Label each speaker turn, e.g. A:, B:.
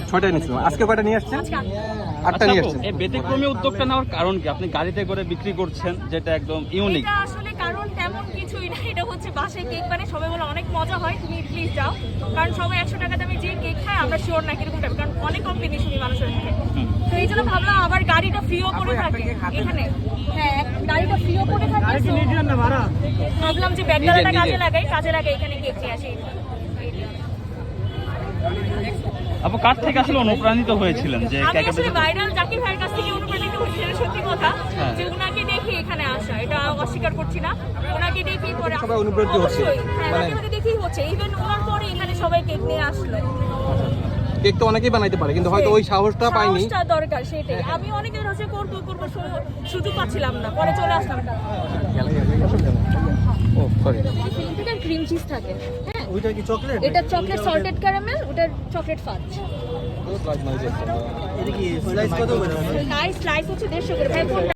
A: 6টায় নিয়েছিলাম। আজকে কয়টা নিয়ে আসছেন?
B: আজকে
A: 8টা নিয়ে আসছেন।
C: এই ব্যতিক্রমী উদ্যোগটা নেওয়ার কারণ কি? আপনি গাড়িতে করে বিক্রি করছেন, যেটা একদম ইউনিক।
B: এটা আসলে কারণ তেমন কিছুই না, এটা হচ্ছে বাসায় কেক বানিয়ে সবাই বলে অনেক মজা হয়, তুমি প্লিজ যাও। কারণ সবাই 100 টাকা দামে যে কেক খায় আমরা শিওর না কিরকম টাইপ, কারণ অনেক কম্পিটিশনই মানুষের মুখে। তো এই জন্য ভাবলাম আবার গাড়িটা ফ্রিও করে থাকে এখানে। হ্যাঁ, গাড়িটা ফ্রিও করে থাকে, ভাবলাম যে ব্যাগডালাটা কাজে লাগাই এখানে কেক নিয়ে আসি।
C: আপু কার থেকে আসলে অনুপ্রাণিত হয়েছিলেন যে
B: আমি
C: কেকের
B: আসলে ভাইরাল জাকির ভাইয়ের কাছ থেকে অনুপ্রাণিত হয়েছি, এটা সত্যি কথা।
C: হ্যাঁ।
B: যে ওনাকে দেখে এখানে আসা, এটা অস্বীকার করছি না। ওনাকে দেখেই পরে
A: সবাই অনুপ্রাণিত হচ্ছে।
B: অবশ্যই, হ্যাঁ,
A: মানে
B: ওনাকে দেখেই হচ্ছে। ইভেন ওনার পরে এখানে সবাই কেক নিয়ে আসলো।
A: কেক তো অনেকেই বানাইতে পারে, কিন্তু হয়তো ওই সাহসটা পাইনি।
B: সাহসটা দরকার, সেটাই। আমি অনেকের হচ্ছে করবো সুযোগ পাচ্ছিলাম না, পরে চলে আসলাম।
A: ও সরি,
B: এটা ক্রিম চিজ থাকে, হ্যাঁ।
A: ওইটা কি চকলেট?
B: এটা চকলেট সল্টেড ক্যারামেল, ওটা চকলেট ফাজ।
A: এটা কি স্লাইস কত করে?
B: স্লাইস হচ্ছে 150 করে ভাই।